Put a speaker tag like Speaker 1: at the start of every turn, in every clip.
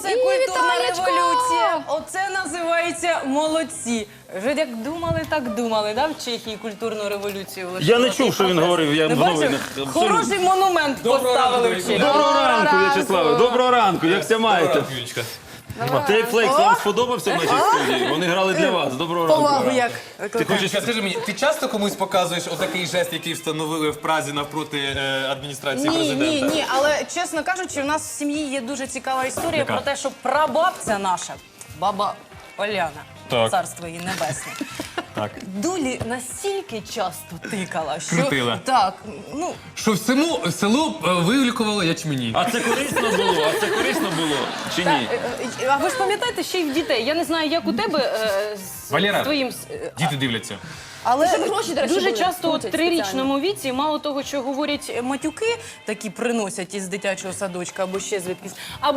Speaker 1: Оце культурна революція. Оце називається молодці. Вже як думали, так думали, да, в Чехії культурну революцію влаштувати.
Speaker 2: Я не чув, що він говорив, я в новинах.
Speaker 1: Хороший монумент поставили в Чехії.
Speaker 2: Доброго ранку, В'ячеславе, доброго ранку, як ся маєте? Тейп Флекс вам сподобався в нашій студії? Вони грали для вас, доброго ранку.
Speaker 1: Повагу як.
Speaker 2: Ти хочеш...
Speaker 3: Скажи мені, ти часто комусь показуєш отакий жест, який встановили в Празі навпроти адміністрації президента?
Speaker 1: Ні, але чесно кажучи, у нас в сім'ї є дуже цікава історія про те, що прабабця наша, баба Оляна,
Speaker 3: Так.
Speaker 1: царство її небесне,
Speaker 3: Так.
Speaker 1: дулі настільки часто тикала, що...
Speaker 3: Крутила.
Speaker 1: Так, ну...
Speaker 3: Що в село вилікувало ячмені.
Speaker 2: А це корисно було? А це корисно було? Чи ні?
Speaker 1: А ви ж пам'ятаєте ще й в дітей? Я не знаю, як у тебе з
Speaker 3: Валера,
Speaker 1: твоїм...
Speaker 3: Діти дивляться.
Speaker 1: Але
Speaker 4: Щоб гроші, до речі,
Speaker 1: дуже
Speaker 4: були,
Speaker 1: часто от в
Speaker 4: крутять
Speaker 1: трирічному віці, мало того, що говорять матюки, такі приносять із дитячого садочка або ще звідкись,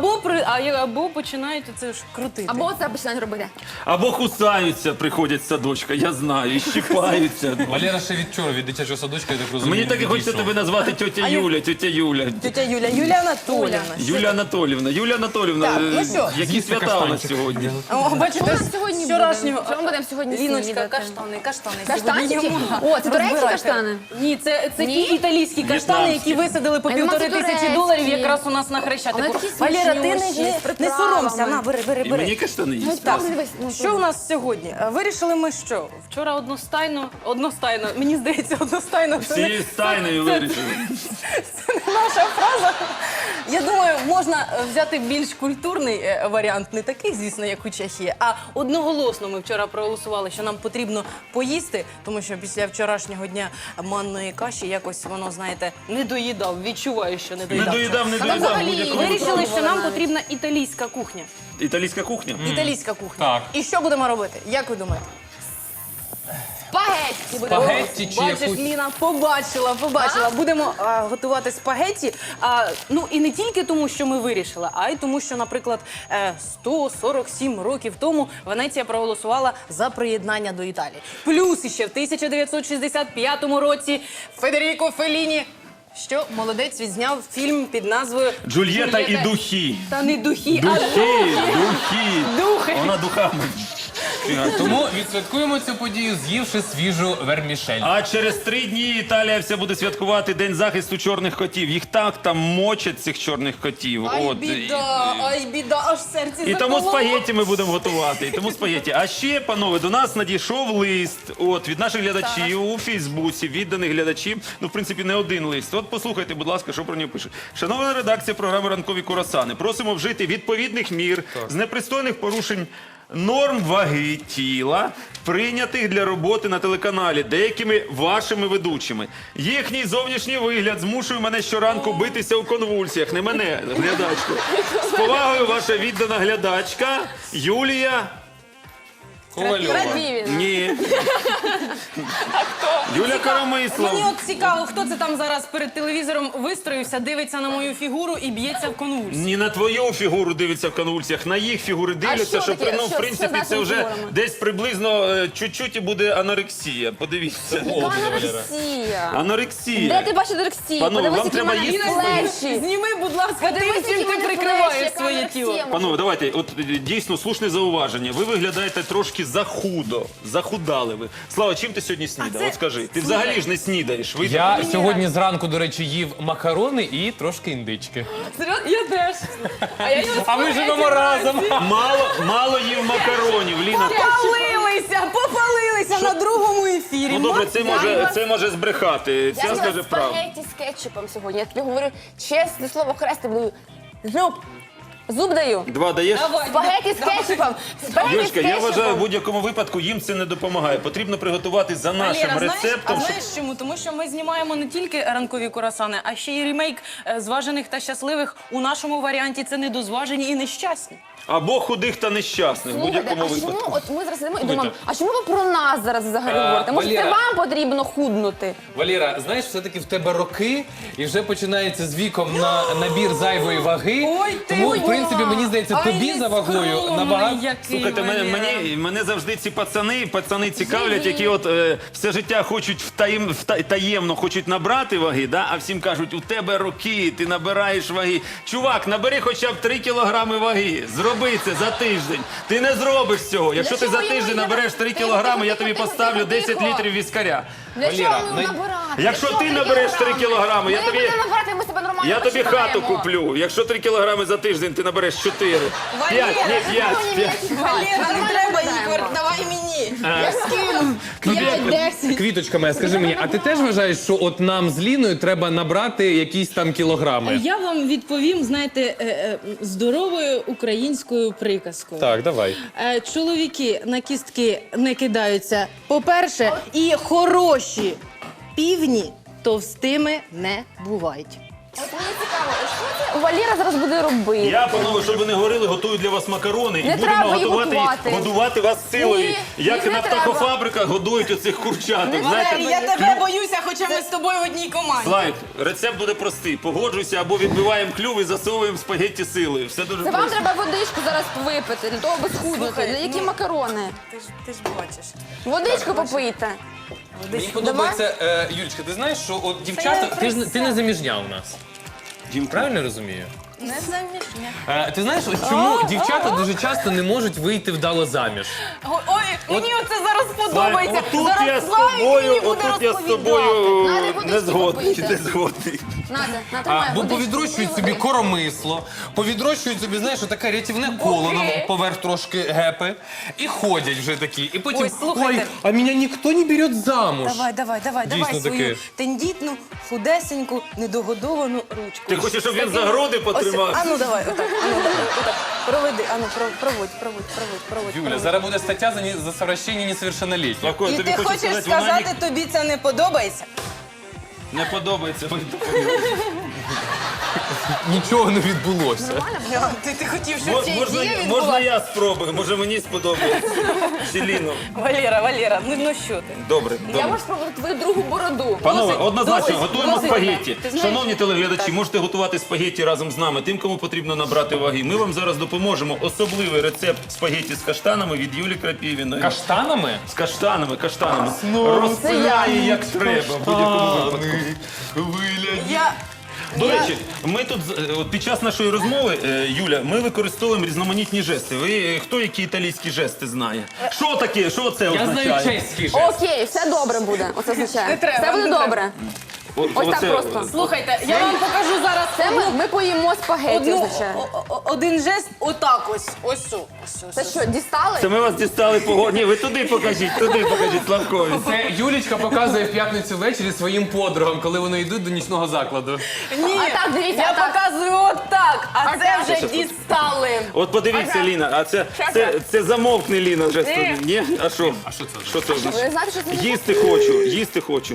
Speaker 1: або починають це ж крутити.
Speaker 4: Або це починають робити.
Speaker 2: Або кусаються, приходять з садочка, я знаю, і щипаються.
Speaker 3: Валера ще від чого? Від дитячого садочка, я так розумію.
Speaker 2: Мені так і хочеться тебе назвати тьотя Юля, тьотя Юля.
Speaker 1: Тетя Юля, Юлія Анатоліївна.
Speaker 2: Юлія Анатоліївна, Юлія Анатоліївна,
Speaker 1: Так, ну що?
Speaker 2: які
Speaker 3: З'їсти
Speaker 2: свята у нас
Speaker 3: каштанчик.
Speaker 2: сьогодні?
Speaker 1: О, бачите,
Speaker 4: Що у нас сьогодні
Speaker 1: вчорашнього...
Speaker 4: буде? Що ми будемо сьогодні
Speaker 1: Ліночка,
Speaker 4: снідати?
Speaker 1: каштани.
Speaker 4: Каштанчики?
Speaker 1: Сьогодні йому.
Speaker 4: О, це турецькі
Speaker 1: Розбирайте.
Speaker 4: каштани?
Speaker 1: Ні, це ті
Speaker 4: Ні?
Speaker 1: італійські каштани,
Speaker 2: В'єтнамські.
Speaker 1: які висадили по
Speaker 4: Я думала, це
Speaker 1: $1500
Speaker 4: турецькі.
Speaker 1: якраз у нас на
Speaker 4: Вони
Speaker 1: Хрещатику.
Speaker 4: такі
Speaker 1: Валера, ти
Speaker 4: смачнющі, з
Speaker 1: не
Speaker 4: приправами.
Speaker 1: соромся, на, бери.
Speaker 2: І мені каштани їсти?
Speaker 1: Так,
Speaker 4: Дивись, ну,
Speaker 1: що у нас сьогодні? Вирішили ми що? Вчора одностайно, мені здається, одностайно. це не-
Speaker 2: Всі стайною вирішили.
Speaker 1: Це не наша фраза. Я думаю, можна взяти більш культурний варіант, не такий, звісно, як у Чехії, а одноголосно ми вчора проголосували, що нам потрібно поїсти, тому що після вчорашнього дня манної каші якось воно, знаєте, не доїдав, відчуваю, що не
Speaker 2: Не
Speaker 1: доїдав.
Speaker 2: доїдав в будь-якому
Speaker 1: Вирішили, що нам
Speaker 4: навіть.
Speaker 1: потрібна італійська кухня.
Speaker 2: Італійська кухня?
Speaker 1: Італійська кухня.
Speaker 3: Так.
Speaker 1: І що будемо робити? Як ви думаєте?
Speaker 4: Спагетті будемо.
Speaker 3: Спагетті чи
Speaker 1: Бачиш,
Speaker 3: якусь...
Speaker 1: Ліна, побачила. Будемо готувати спагетті. Ну і не тільки тому, що ми вирішили, а й тому, що, наприклад, 147 років тому Венеція проголосувала за приєднання до Італії. Плюс іще в 1965 році Федеріко Фелліні, що молодець, відзняв фільм під назвою
Speaker 2: Джульєта і духи.
Speaker 1: Та не духи,
Speaker 2: Духи.
Speaker 1: Духи.
Speaker 2: Вона духами.
Speaker 3: Тому відсвяткуємо цю подію, з'ївши свіжу вермішель.
Speaker 2: А через 3 дні Італія вся буде святкувати День захисту чорних котів. Їх так там мочать, цих чорних котів.
Speaker 1: Ай, біда, аж серце
Speaker 2: І тому
Speaker 1: закололо.
Speaker 2: спагетті ми будемо готувати. І тому спагетті. А ще, панове, до нас надійшов лист від наших глядачів у Фейсбуці, відданих глядачів. Ну, в принципі, не один лист. От послухайте, будь ласка, що про нього пише. Шановна редакція програми «Ранкові курасани», просимо вжити відповідних мір з непристойних порушень норм ваги тіла, прийнятих для роботи на телеканалі деякими вашими ведучими. Їхній зовнішній вигляд змушує мене щоранку битися у конвульсіях. Не мене, глядачку. З повагою, ваша віддана глядачка Юлія...
Speaker 3: Ковальова.
Speaker 4: Радівіна.
Speaker 2: Ні. Юля Коромислов.
Speaker 1: Мені от цікаво, хто це там зараз перед телевізором вистроївся, дивиться на мою фігуру і б'ється в конвульсії.
Speaker 2: Ні на твою фігуру дивиться в конвульсіях, на їх фігури дивляться,
Speaker 4: що
Speaker 2: що,
Speaker 4: таке?
Speaker 2: ну, в
Speaker 4: Що
Speaker 2: принципі,
Speaker 4: з
Speaker 2: це
Speaker 4: нашими
Speaker 2: вже
Speaker 4: фігурами?
Speaker 2: десь приблизно чуть-чуть і буде анорексія. Подивіться.
Speaker 4: Анорексія.
Speaker 2: Анорексія.
Speaker 4: Де ти бачиш анорексію?
Speaker 2: Панове,
Speaker 4: Подивись,
Speaker 2: вам
Speaker 4: які
Speaker 2: треба
Speaker 4: в мене
Speaker 2: їсти.
Speaker 4: плечі.
Speaker 1: Зніми, будь ласка,
Speaker 4: Подивись,
Speaker 1: тим, чим
Speaker 4: які в
Speaker 1: ти
Speaker 4: мене
Speaker 1: прикриваєш
Speaker 4: плечі,
Speaker 1: своє
Speaker 4: яка
Speaker 1: тіло.
Speaker 4: анорексія.
Speaker 2: Панове, давайте, от дійсно слушне зауваження. Ви виглядаєте трошки захудо. Захудали ви. Слава, чим ти сьогодні снідав?
Speaker 1: це-
Speaker 2: От скажи. Ти взагалі ж не снідаєш. Ви
Speaker 3: Я сьогодні зранку, до речі, їв макарони і трошки індички.
Speaker 1: Я теж.
Speaker 3: А ми живемо разом.
Speaker 2: мало їв макаронів, Ліна.
Speaker 1: Попалилися на другому ефірі.
Speaker 2: Ну добре, це може збрехати. Ця
Speaker 4: Я
Speaker 2: скаже
Speaker 4: з'їла
Speaker 2: правду.
Speaker 4: спагетті з кетчупом сьогодні. Я тобі говорю чесне слово, хрестик даю. Зуб даю.
Speaker 2: 2 даєш?
Speaker 4: Спагетті з кетчупом. Спагетті з
Speaker 2: Юлечка, я вважаю, в
Speaker 4: кетчупом.
Speaker 2: будь-якому випадку їм це не допомагає. Потрібно приготувати за нашим рецептом.
Speaker 1: А знаєш чому? Тому що ми знімаємо не тільки ранкові курасани, а ще й ремейк «Зважених та щасливих». У нашому варіанті це недозважені і нещасні.
Speaker 2: Або худих та нещасних, в
Speaker 4: Слухайте,
Speaker 2: будь-якому
Speaker 4: а чому,
Speaker 2: випадку.
Speaker 4: от ми зараз йдемо і думаємо, а чому ви про нас зараз взагалі говорите? Може, це
Speaker 3: Валера.
Speaker 4: вам потрібно худнути?
Speaker 3: Валера, знаєш, все-таки в тебе роки, і вже починається з віком на набір зайвої ваги.
Speaker 1: Ой, ти
Speaker 3: Тому, в
Speaker 1: ой,
Speaker 3: принципі, мені здається, тобі за вагою набагато...
Speaker 2: Слухайте, мене завжди ці пацани цікавлять, які от все життя хочуть таємно хочуть набрати ваги, да? А всім кажуть, у тебе роки, ти набираєш ваги. Чувак, набери хоча б 3 кілограми ваги, зроби це за тиждень. Ти не зробиш цього. Якщо ти за тиждень набереш 3 кілограми, я тобі поставлю 10 літрів віскаря.
Speaker 4: Для чого його набирати?
Speaker 2: Якщо ти набереш 3 кілограми, я тобі хату куплю. Якщо 3 кілограми за тиждень, ти набереш 4. 5, ні, 5.
Speaker 1: Валера, не треба, Ігор, давай мені. Я скину. 5-10.
Speaker 3: Квіточка моя, скажи мені, а ти теж вважаєш, що от нам з Ліною треба набрати якісь там кілограми?
Speaker 1: Я вам відповім, знаєте, здоровою українською приказкою.
Speaker 3: Так, давай.
Speaker 1: Чоловіки на кістки не кидаються. По-перше, і хороші півні товстими не бувають.
Speaker 4: От мені цікаво, що це Валера зараз буде робити?
Speaker 2: Я, панове, щоб ви не говорили, готую для вас макарони
Speaker 4: Не
Speaker 2: і будемо
Speaker 4: треба їх
Speaker 2: годувати вас силою.
Speaker 4: Ні,
Speaker 2: Як
Speaker 4: їх не
Speaker 2: на
Speaker 4: треба.
Speaker 2: птахофабриках годують оцих курчаток. Знаєте,
Speaker 1: я тебе боюся, хоча ми з тобою в одній команді.
Speaker 2: Слайк, рецепт буде простий. Погоджуйся або відбиваємо клюв і засовуємо спагетті силою. Все дуже
Speaker 4: Це вам
Speaker 2: просто.
Speaker 4: треба водичку зараз випити, для того, аби схуднути.
Speaker 1: Слухай,
Speaker 4: Для які
Speaker 1: ну,
Speaker 4: макарони?
Speaker 1: Ти ж бачиш.
Speaker 4: Водичку попийте.
Speaker 3: Мені подобається, Юлічка, ти знаєш, що от дівчата, ти не заміжня у нас. Правильно я розумію?
Speaker 1: Не замішня.
Speaker 3: Ти знаєш, от чому дівчата дуже часто не можуть вийти вдало заміж?
Speaker 1: Ой, мені оце зараз подобається.
Speaker 2: Отут
Speaker 1: Зараз
Speaker 2: я з
Speaker 1: Славік
Speaker 2: тобою,
Speaker 1: мені буде
Speaker 2: отут я з
Speaker 1: розповідати.
Speaker 2: тобою
Speaker 4: Надя,
Speaker 2: не
Speaker 4: водички
Speaker 2: згодний.
Speaker 4: попийте.
Speaker 2: Не згодний.
Speaker 4: Надя, тримай
Speaker 3: Бо
Speaker 4: водичку.
Speaker 3: повідрощують собі
Speaker 4: Водичку.
Speaker 3: коромисло, повідрощують собі, знаєш, таке рятівне коло на поверх трошки гепи, і ходять вже такі. І потім,
Speaker 1: Ой, слухайте.
Speaker 3: а мене ніхто не бере замуж.
Speaker 1: Давай
Speaker 3: Дійсно
Speaker 1: свою
Speaker 3: таке.
Speaker 1: тендітну, худесеньку, недогодовану ручку.
Speaker 2: Ти хочеш, щоб він за груди потримав?
Speaker 1: Ану, давай, отак, отак. Проведи, проводь.
Speaker 3: Юля, зараз буде стаття за совращення несовершеннолетніх.
Speaker 2: Славко, я
Speaker 1: І
Speaker 2: тобі
Speaker 1: ти
Speaker 2: хочу
Speaker 1: хочеш
Speaker 2: сказати, вона
Speaker 1: сказати, тобі це не подобається?
Speaker 2: не подобається.
Speaker 3: Нічого не відбулося.
Speaker 1: Ти хотів, щоб ці
Speaker 2: Можна,
Speaker 1: дії
Speaker 2: можна
Speaker 1: відбулася?
Speaker 2: я спробую, може мені сподобається. Селіно.
Speaker 1: Валера, ну що ти?
Speaker 2: Добре,
Speaker 4: Я
Speaker 2: добре.
Speaker 4: можу спробувати твою другу бороду.
Speaker 2: Панове,
Speaker 1: Досить,
Speaker 2: однозначно,
Speaker 1: досить,
Speaker 2: готуємо
Speaker 1: досить.
Speaker 2: спагетті.
Speaker 1: Ти знаєш-
Speaker 2: Шановні телеглядачі, можете готувати спагетті разом з нами. Тим, кому потрібно набрати ваги. Ми вам зараз допоможемо. Особливий рецепт спагетті з каштанами від Юлі Крапівіної.
Speaker 3: Каштанами?
Speaker 2: З каштанами. Розпиляє, як треба, в будь-якому випадку.
Speaker 1: Я...
Speaker 2: До речі, ми тут от під час нашої розмови, Юля, ми використовуємо різноманітні жести. Ви хто які італійські жести знає? Що таке? Що це
Speaker 3: Я знаю
Speaker 2: означає?
Speaker 3: чеський жест.
Speaker 4: Окей, все добре буде. Оце означає.
Speaker 1: Не треба,
Speaker 4: Все буде
Speaker 1: не треба.
Speaker 4: добре. Ось так
Speaker 2: Оце-
Speaker 4: просто.
Speaker 1: Слухайте, я вам покажу зараз
Speaker 4: Це ми поїмо спагетті, означає.
Speaker 1: один жест отак ось.
Speaker 4: Це що, дістали?
Speaker 2: Це ми вас дістали по... Ні, ви туди покажіть, Славкові.
Speaker 3: Це Юлічка показує в п'ятницю ввечері своїм подругам, коли вони йдуть до нічного закладу.
Speaker 1: Ні,
Speaker 4: А так, дивіться,
Speaker 1: я
Speaker 4: а так.
Speaker 1: показую отак, а це
Speaker 4: так.
Speaker 1: вже дістали.
Speaker 2: От подивіться, Ліна, а це замовкне, Ліна, вже
Speaker 1: Ти.
Speaker 2: Ні? А що? Що це означає?
Speaker 4: Ви знаєте, що це
Speaker 2: Їсти хочу.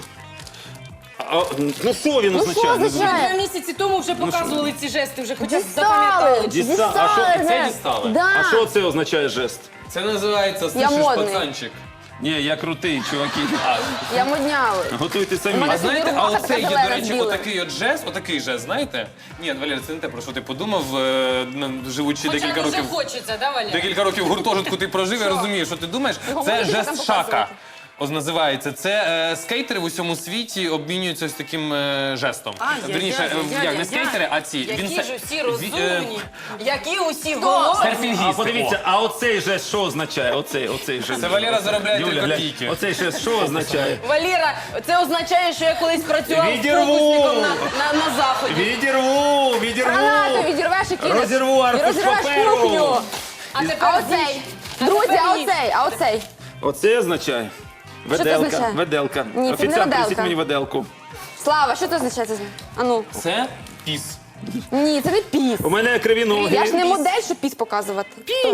Speaker 2: Ну що він
Speaker 4: Ну що
Speaker 2: означає?
Speaker 4: означає?
Speaker 1: 2 місяці тому вже показували ці жести, вже хоча б
Speaker 4: Дістали!
Speaker 1: запам'ятали.
Speaker 2: Дістали. А що-
Speaker 3: це дістали?
Speaker 4: Да.
Speaker 2: А що це означає жест?
Speaker 3: Це називається
Speaker 4: Я
Speaker 3: «Слышиш,
Speaker 4: модний.
Speaker 3: пацанчик».
Speaker 2: Ні, я крутий, чуваки.
Speaker 4: Я модняли.
Speaker 2: Готуйте самі.
Speaker 4: Мене
Speaker 3: А знаєте,
Speaker 4: Собі
Speaker 3: а
Speaker 4: рука
Speaker 3: оце є,
Speaker 4: така
Speaker 3: до речі,
Speaker 4: зелена,
Speaker 3: отакий жест, знаєте? Ні, Валерій, це не те, про що ти подумав, живучи декілька
Speaker 1: Хоча дуже
Speaker 3: років.
Speaker 1: хочеться, да, Валя?
Speaker 3: Декілька років в гуртожитку ти прожив, я розумію, що ти думаєш.
Speaker 4: Його
Speaker 3: Це
Speaker 4: можна там
Speaker 3: жест шака.
Speaker 4: показувати?
Speaker 3: Ось називається. Це скейтери в усьому світі обмінюються ось таким жестом. Вірніше, як не скейтери, а ці.
Speaker 1: Які ж усі
Speaker 3: ві-
Speaker 1: розумні, які усі голодні.
Speaker 3: Серфінгісти.
Speaker 2: А подивіться, а оцей жест що означає? Оцей жест.
Speaker 3: Це Валера заробляє
Speaker 2: Юля,
Speaker 3: 3
Speaker 2: глянь,
Speaker 3: копійки.
Speaker 2: оцей жест що означає?
Speaker 1: Валера, це означає, що я колись працював
Speaker 2: Відірву!
Speaker 1: фокусником на заході.
Speaker 2: Відірву!
Speaker 4: Гранату відірвеш і кинеш.
Speaker 2: Розірву
Speaker 4: І
Speaker 2: аркуш
Speaker 4: розірвеш
Speaker 2: паперу.
Speaker 4: кухню.
Speaker 1: А
Speaker 4: А
Speaker 1: тепер
Speaker 4: оцей? Друзі, а оцей?
Speaker 2: Оце означає?
Speaker 4: це
Speaker 2: Веделка,
Speaker 4: означає?
Speaker 2: веделка.
Speaker 4: Ні, це не
Speaker 2: Офіціант,
Speaker 4: веделка.
Speaker 2: принесіть мені веделку.
Speaker 4: Слава, що це означає? Ану.
Speaker 3: Це піс.
Speaker 4: Ні, це не піс.
Speaker 2: У мене криві ноги.
Speaker 4: Я ж не модель, щоб піс показувати.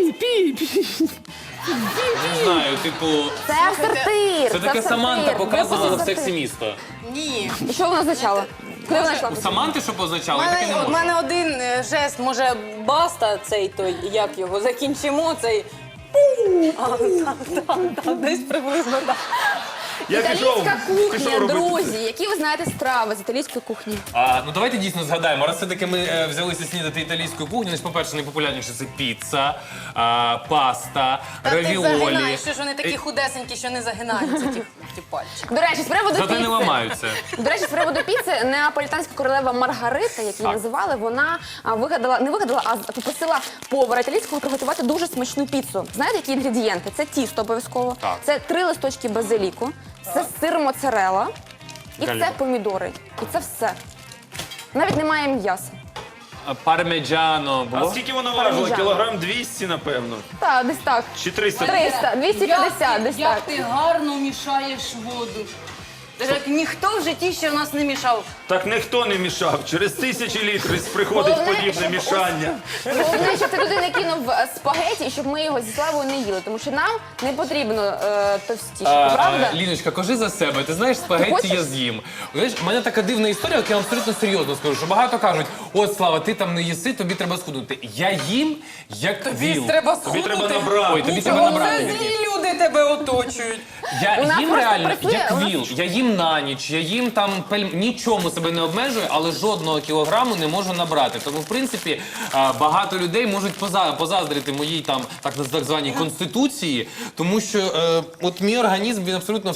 Speaker 3: Не знаю, типу,
Speaker 4: Це сортир.
Speaker 3: це таке Саманта показувала в «Сексі місто».
Speaker 1: Ні.
Speaker 4: І що вона означала? Куди вона йшла?
Speaker 3: У Саманти що позначало? Я таке не
Speaker 1: У
Speaker 3: можу.
Speaker 1: мене один жест, може, баста цей той, як його, закінчимо цей. Так, десь приблизно так.
Speaker 4: Італійська кухня,
Speaker 2: пішов робити.
Speaker 4: друзі. Які ви знаєте страви з італійської кухні?
Speaker 3: Ну давайте дійсно згадаємо. Раз все-таки ми взялися снідати італійську кухню, значить, по-перше, найпопулярніше це піца, паста,
Speaker 1: Та ти
Speaker 3: равіолі.
Speaker 1: загинаєш, що ж вони такі худесенькі, що не загинаються ті пальчики.
Speaker 4: До речі, з приводу
Speaker 3: Зате
Speaker 4: піци.
Speaker 3: не ламаються.
Speaker 4: До речі, з приводу піци, неаполітанська королева Маргарита, як її називали, вона не вигадала, а попросила повара італійського приготувати дуже смачну піцу. Знаєте, які інгредієнти? Це тісто обов'язково,
Speaker 3: Так.
Speaker 4: це 3 листочки базиліку, це сир моцарелла і
Speaker 3: Італія.
Speaker 4: це помідори. І це все. Навіть немає м'яса.
Speaker 3: Пармеджано
Speaker 2: А
Speaker 3: було?
Speaker 2: скільки воно важило?
Speaker 4: Парміжано.
Speaker 2: Кілограм 200, напевно.
Speaker 4: Так, десь так.
Speaker 2: Чи 300?
Speaker 4: 300, 250, десь
Speaker 1: Як
Speaker 4: так.
Speaker 1: ти гарно мішаєш воду. Так ніхто в житті ще в нас не мішав.
Speaker 2: Так ніхто не мішав. Через тисячі літрів приходить
Speaker 4: Головне,
Speaker 2: подібне
Speaker 4: щоб
Speaker 2: мішання.
Speaker 4: Головне, щоб ти туди не кинув спагеті, і щоб ми його зі Славою не їли, тому що нам не потрібно товстіше, правда?
Speaker 3: Ліночка, кажи за себе. Ти знаєш,
Speaker 4: Ти
Speaker 3: спагетті
Speaker 4: хочеш?
Speaker 3: я з'їм. Знаєш, у мене така дивна історія, от я вам абсолютно серйозно скажу, що багато кажуть, от, Слава, ти там не їси, тобі треба схуднути. Я їм, як віл.
Speaker 1: треба
Speaker 2: Тобі треба набрати.
Speaker 3: Ой, тобі
Speaker 1: Нічого,
Speaker 3: треба набрати.
Speaker 1: це злі люди тебе оточують.
Speaker 3: Я
Speaker 4: У нас
Speaker 3: їм
Speaker 4: просто
Speaker 3: реально,
Speaker 4: працює,
Speaker 3: як
Speaker 4: у нас-
Speaker 3: віл. Я їм на ніч, я їм там нічому себе не обмежую, але жодного кілограму не можу набрати. Тому, в принципі, багато людей можуть позаздрити моїй там так званій конституції, тому що от мій організм, він абсолютно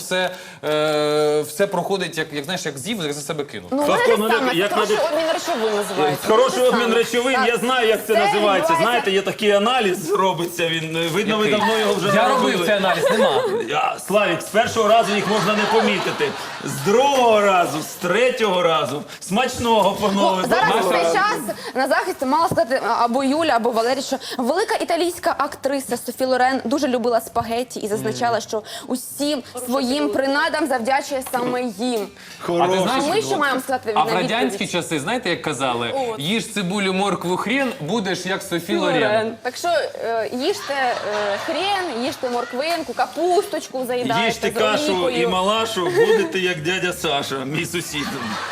Speaker 3: все проходить, як знаєш, як з'їв, як за себе кинув.
Speaker 4: Ну, у
Speaker 2: Тобто,
Speaker 4: мене
Speaker 2: ну,
Speaker 4: те саме,
Speaker 2: як
Speaker 4: це хороший
Speaker 2: надо-
Speaker 4: обмін речовин називається.
Speaker 2: Хороший
Speaker 4: Те
Speaker 2: обмін
Speaker 4: саме.
Speaker 2: речовин,
Speaker 4: Так.
Speaker 2: я знаю, як це
Speaker 4: Це
Speaker 2: називається.
Speaker 4: відбувається-
Speaker 2: Знаєте, є такий аналіз робиться, він видно, ви
Speaker 3: Який?
Speaker 2: давно його вже не
Speaker 3: Я робив
Speaker 2: робили.
Speaker 3: цей аналіз, нема.
Speaker 2: Славік, з першого разу їх можна не помітити. З другого разу, з третього разу. Смачного, панове. з
Speaker 4: Зараз
Speaker 2: одного
Speaker 4: в цей
Speaker 2: разу.
Speaker 4: час на захист мала сказати або Юля, або Валерій, що велика італійська актриса Софі Лорен дуже любила спагетті і зазначала, що усім своїм принадам завдячує саме їм.
Speaker 3: А ти
Speaker 2: Хороший.
Speaker 3: знаєш,
Speaker 4: Ми що маємо сказати
Speaker 3: а в
Speaker 4: на
Speaker 3: радянські
Speaker 4: відповідь?
Speaker 3: часи, знаєте, як казали? Їж цибулю, моркву, хрін, будеш як Софі Лорен.
Speaker 4: Так що їжте хрен, їжте морквинку, капусточку заїдайте
Speaker 2: Їжте
Speaker 4: з
Speaker 2: кашу і
Speaker 4: олійкою.
Speaker 2: малашу, будете як дядя Саша, мій сусід.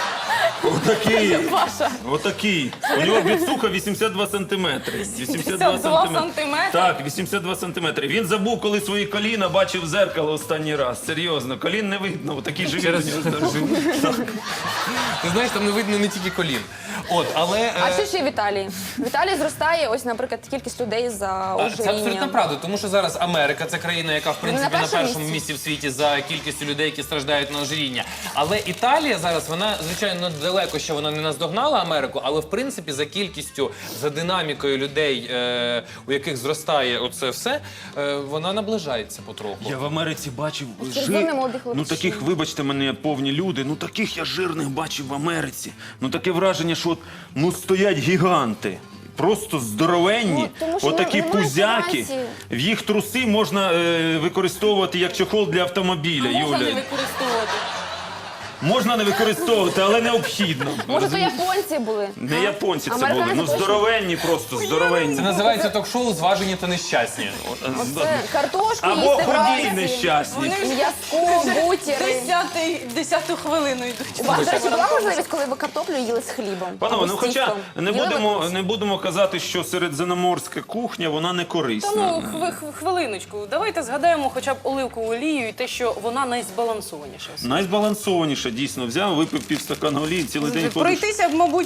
Speaker 2: Отакий. Отакий. У нього відсуха 82 сантиметри.
Speaker 1: 82 сантиметри?
Speaker 2: Так, 82 сантиметри. Він забув, коли свої коліна бачив в зеркало останній раз. Серйозно, колін не видно. Отакий живіт у нього зараз. Так.
Speaker 3: Ти знаєш, там не видно не тільки колін. От, але...
Speaker 4: А що ще в Італії? В Італії зростає, ось, наприклад, кількість людей за
Speaker 3: Це абсолютно
Speaker 4: ожирінням.
Speaker 3: правда, тому що зараз Америка це країна, яка в принципі
Speaker 4: на
Speaker 3: на
Speaker 4: першому
Speaker 3: першому
Speaker 4: місці.
Speaker 3: місці в світі за кількістю людей, які страждають на ожиріння. Але Італія зараз, вона звичайно далеко ще вона не наздогнала Америку, але в принципі за кількістю, за динамікою людей, у яких зростає оце все, вона наближається потроху.
Speaker 2: Я в Америці бачив
Speaker 4: Червоний молодий
Speaker 2: ну
Speaker 4: хлопчик.
Speaker 2: таких, вибачте мене, повні люди, ну таких я жирних бачив в Америці. Ну таке враження, що от, ну стоять гіганти. Просто здоровенні,
Speaker 4: Ну, тому що
Speaker 2: отакі
Speaker 4: немає
Speaker 2: пузяки.
Speaker 4: інформації.
Speaker 2: В їх труси можна використовувати як чохол для автомобіля.
Speaker 1: Можна
Speaker 2: Юля.
Speaker 1: не використовувати.
Speaker 2: Можна не використовувати, але необхідно.
Speaker 4: Може, то японці були?
Speaker 2: Не японці це
Speaker 4: Американці
Speaker 2: були, ну
Speaker 4: точно?
Speaker 2: здоровенні просто, здоровенні.
Speaker 3: Це називається ток-шоу «Зважені та нещасні».
Speaker 4: Оце картошку
Speaker 2: Або
Speaker 4: їсти
Speaker 2: худі й
Speaker 4: вранці,
Speaker 2: нещасні.
Speaker 4: м'язко, бутіри.
Speaker 1: Десяту хвилину йдуть.
Speaker 4: У вас, до речі, була можливість, коли ви картоплю їли з хлібом?
Speaker 2: Панове,
Speaker 4: Або
Speaker 2: ну
Speaker 4: з
Speaker 2: хоча
Speaker 4: тістом?
Speaker 2: не
Speaker 4: Їли ви
Speaker 2: будемо,
Speaker 4: колись?
Speaker 2: не будемо казати, що середземноморська кухня, вона не
Speaker 1: Та
Speaker 2: корисна.
Speaker 1: ну, хвилиночку. Давайте згадаємо хоча б оливкову олію і те, що вона найзбалансованіша.
Speaker 2: Найзбалансованіша, дійсно, взяв, випив півстакана олії, цілий день ходиш.
Speaker 1: Пройтися, мабуть,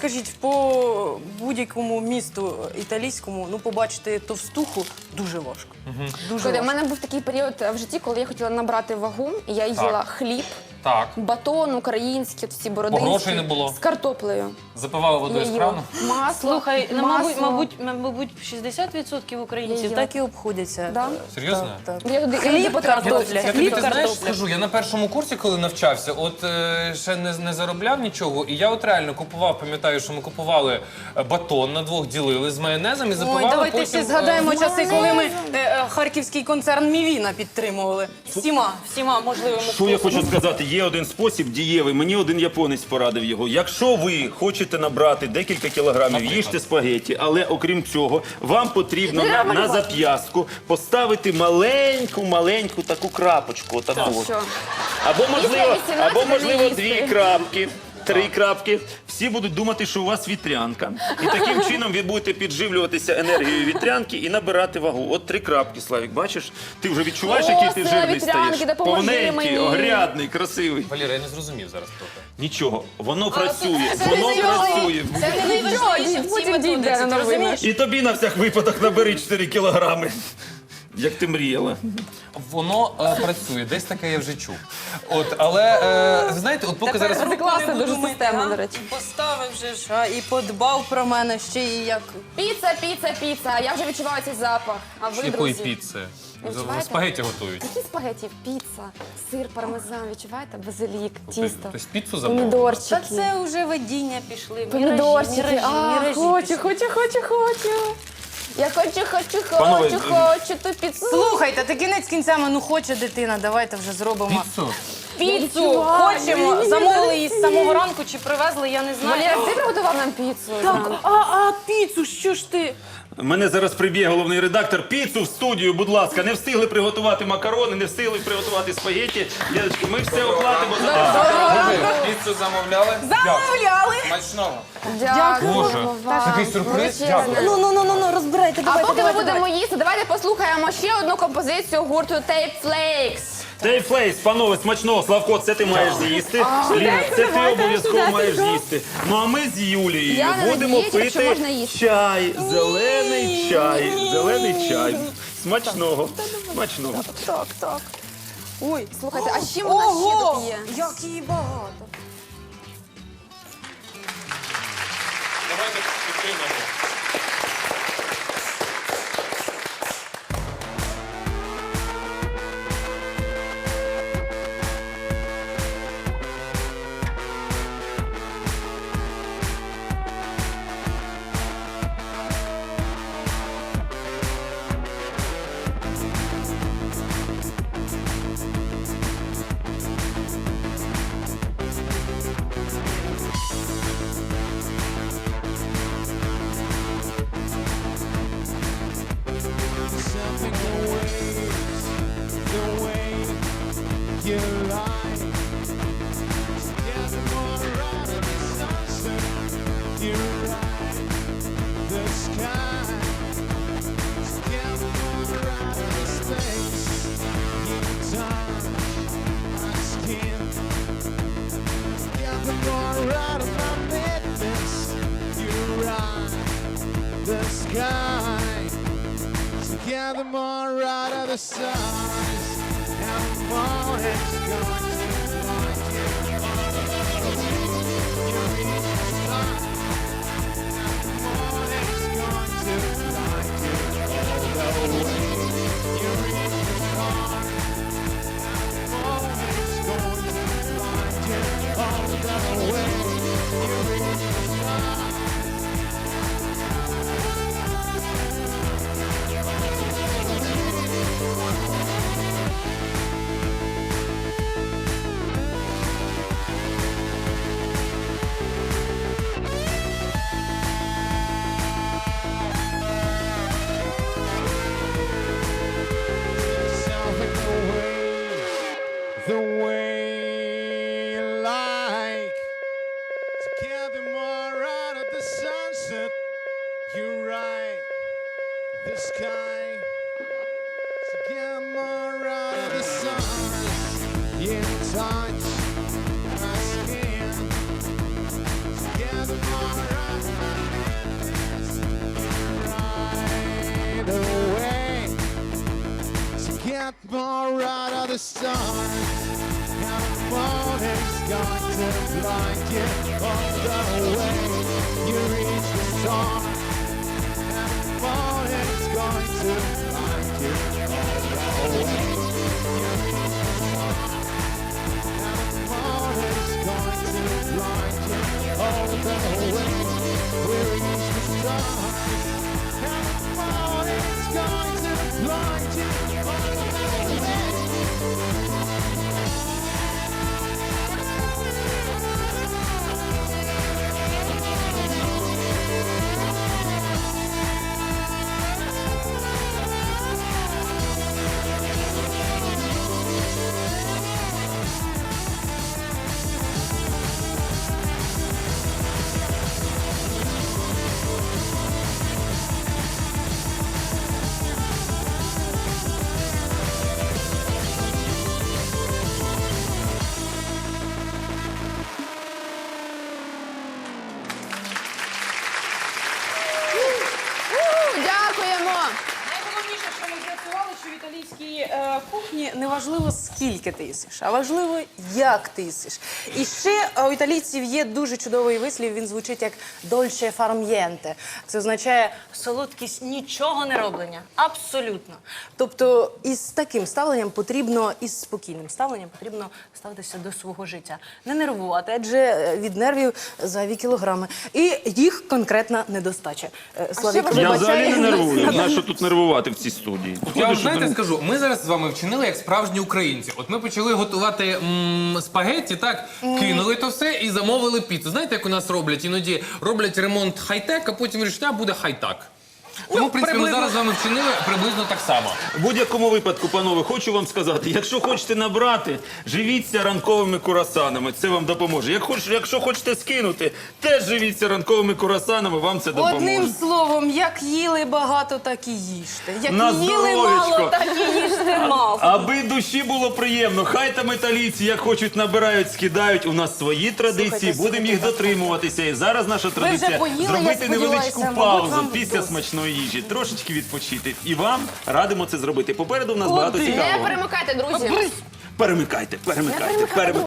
Speaker 1: по будь-якому місту італійському, ну, побачити товстуху дуже важко. Дуже
Speaker 4: Слухайте, у
Speaker 1: важко.
Speaker 4: мене був такий період в житті, коли я хотіла набрати вагу, і я їла хліб,
Speaker 3: Так.
Speaker 4: батон український, всі бородинські.
Speaker 3: грошей не було.
Speaker 4: З картоплею.
Speaker 3: Запивали
Speaker 4: Я
Speaker 3: водою з
Speaker 4: їла
Speaker 3: крану.
Speaker 4: масло,
Speaker 1: Слухай, ну,
Speaker 4: масло.
Speaker 1: мабуть, 60% українців
Speaker 4: Я-
Speaker 1: так і обходяться.
Speaker 4: Да?
Speaker 3: Серйозно?
Speaker 1: Так.
Speaker 4: Я туди
Speaker 1: Хліб, картопля.
Speaker 3: Я тобі
Speaker 1: Хліб,
Speaker 3: ти знаєш,
Speaker 1: картопля.
Speaker 3: скажу, я на першому курсі, коли навчався, от ще не заробляв нічого, і я от реально купував, пам'ятаю, що ми купували батон на двох, ділили з майонезом і запивали
Speaker 1: Ой, давайте
Speaker 3: потім...
Speaker 1: всі згадаємо часи, коли ми
Speaker 4: майонезом.
Speaker 1: харківський концерн Мівіна підтримували. Всіма можливими
Speaker 2: Що я хочу сказати, є один спосіб дієвий, мені один японець порадив його. Якщо ви хочете набрати декілька кілограмів, їжте спагеті, але окрім цього, вам потрібно
Speaker 4: Не треба
Speaker 2: на
Speaker 4: малювати.
Speaker 2: зап'ястку поставити маленьку таку крапочку. Отаку. от.
Speaker 4: Що?
Speaker 2: Або можливо,
Speaker 4: 18
Speaker 2: або можливо
Speaker 4: не їсти.
Speaker 2: 2 крапки. 3 крапки. Всі будуть думати, що у вас вітрянка. І таким чином ви будете підживлюватися енергією вітрянки і набирати вагу. От 3 крапки, Славік, бачиш? Ти вже відчуваєш,
Speaker 4: О,
Speaker 2: який ти
Speaker 4: сила
Speaker 2: жирний
Speaker 4: вітрянки,
Speaker 2: стаєш?
Speaker 4: допоможи
Speaker 2: Повненький,
Speaker 4: мені.
Speaker 2: огрядний, красивий.
Speaker 3: Валера, я не зрозумів зараз трохи.
Speaker 2: Нічого, воно працює,
Speaker 1: Це
Speaker 2: воно
Speaker 1: не
Speaker 2: працює.
Speaker 1: Це не найважливіше в цій
Speaker 4: Потім дійде
Speaker 1: методиці, ти
Speaker 4: новина.
Speaker 1: розумієш?
Speaker 2: І тобі на всяк випадок набери 4 кілограми. Як ти мріяла.
Speaker 3: Воно працює, десь таке я вже чув. От, але ви знаєте, от поки зараз.
Speaker 4: Це класна
Speaker 1: Не буду
Speaker 4: дуже
Speaker 1: мити,
Speaker 4: система,
Speaker 1: а?
Speaker 4: до речі.
Speaker 1: Поставив же ж, і подбав про мене ще і як.
Speaker 4: Піца. Я вже відчуваю цей запах. А ви,
Speaker 3: Якої
Speaker 4: друзі?
Speaker 3: піци?
Speaker 4: Відчуваєте?
Speaker 3: Спагеті готують.
Speaker 4: Які спагеті? Піца, сир, пармезан, відчуваєте? Базилік, тісто,
Speaker 3: Тобто піцу замовили?
Speaker 4: помідорчики.
Speaker 1: Та це вже видіння пішли.
Speaker 4: Помідорчики.
Speaker 1: Міражі
Speaker 4: Хочу. Я
Speaker 2: Панове,
Speaker 4: хочу ту піцу.
Speaker 1: Слухайте, та кінець кінцями, ну хоче дитина, давайте вже зробимо.
Speaker 3: Піцу?
Speaker 1: Піцу
Speaker 4: відчуваю.
Speaker 1: хочемо, замовили її з самого ранку чи привезли, я не знаю.
Speaker 4: Валера, ти приготував нам піцу?
Speaker 1: Так, а піцу, що ж ти?
Speaker 2: Мене зараз приб'є головний редактор. Піцу в студію, будь ласка. Не встигли приготувати макарони, не встигли приготувати спагетті. Дядечки, ми все оплатимо за вас.
Speaker 5: Піцу замовляли?
Speaker 1: Замовляли!
Speaker 5: Смачного.
Speaker 4: Дякую
Speaker 3: Боже,
Speaker 4: вам.
Speaker 3: такий сюрприз.
Speaker 4: Величезне.
Speaker 1: Ну, розбирайте,
Speaker 4: А поки ми будемо їсти, давайте послухаємо ще одну композицію гурту Tape Flakes.
Speaker 2: Тейфлейс, панове, смачного. Славко, це ти маєш з'їсти. Ліна, це ти обов'язково маєш з'їсти. Ну а ми з Юлією
Speaker 4: Я не
Speaker 2: будемо
Speaker 4: надіюсь, що
Speaker 2: пити
Speaker 4: можна їсти.
Speaker 2: чай, зелений чай. Смачного.
Speaker 1: Так. Ой,
Speaker 4: Слухайте, а з чим вона ще тут є?
Speaker 1: як її багато.
Speaker 5: Давайте підтримаємо.
Speaker 6: Together more out of the stars, and the morning's going to find you. You reach the stars, and the morning's going to find you all the way. You reach the stars, and the morning's going to find you all the way. You reach the stars. The way you like to gather more out of the sunset. You're right, the sky to get more out of the stars. You touch my skin to gather more out of my hands. Right away to get more out of the stars. And the morning's going to blind you all the way. You reach the stars. And the morning's going to blind you all the way. You reach the stars. And the morning's going to blind you all the way. We reach the stars. And the morning's going to blind you all the way.
Speaker 1: кухні не важливо, скільки ти їсиш, а важливо, як ти їсиш. І ще у італійців є дуже чудовий вислів, він звучить як «dolce far niente». Це означає солодкість нічого не роблення. Абсолютно. Тобто із таким ставленням потрібно, із спокійним ставленням потрібно ставитися до свого життя. Не нервувати, адже від нервів зайві кілограми. І їх конкретна недостача. Славік,
Speaker 2: Я
Speaker 1: вибачай.
Speaker 2: взагалі не нервую. Нащо тут нервувати в цій студії?
Speaker 3: Я вам
Speaker 2: Ходиш,
Speaker 3: знаєте, скажу, ми зараз з вами вчинили як справжні українці. От ми почали готувати спагетті, так, кинули то все і замовили піцу. Знаєте, як у нас роблять? Іноді роблять ремонт хай-тек, а потім вирішать, а буде хай-так. Тому, в принципі, ми зараз з вами вчинили приблизно так само.
Speaker 2: В будь-якому випадку, панове, хочу вам сказати, якщо хочете набрати, живіться ранковими курасанами, це вам допоможе. Якщо хочете скинути, теж живіться ранковими курасанами, вам це допоможе.
Speaker 1: Одним словом, як їли багато, так і їжте. Як
Speaker 2: На
Speaker 1: їли
Speaker 2: здоров'ячко.
Speaker 1: мало, так і їжте мало.
Speaker 2: Аби душі було приємно, хай там італійці, як хочуть, набирають, скидають. У нас свої традиції, будемо їх дотримуватися. І зараз наша традиція
Speaker 1: поїли, я
Speaker 2: зробити невеличку
Speaker 1: сподіваюся, мабуть,
Speaker 2: паузу
Speaker 1: вам
Speaker 2: після
Speaker 1: досить.
Speaker 2: смачної їжі, трошечки відпочити. І вам радимо це зробити. Попереду в нас багато
Speaker 1: Куди?
Speaker 4: Не
Speaker 2: цікавого.
Speaker 4: перемикайте, друзі.
Speaker 2: Перемикайте.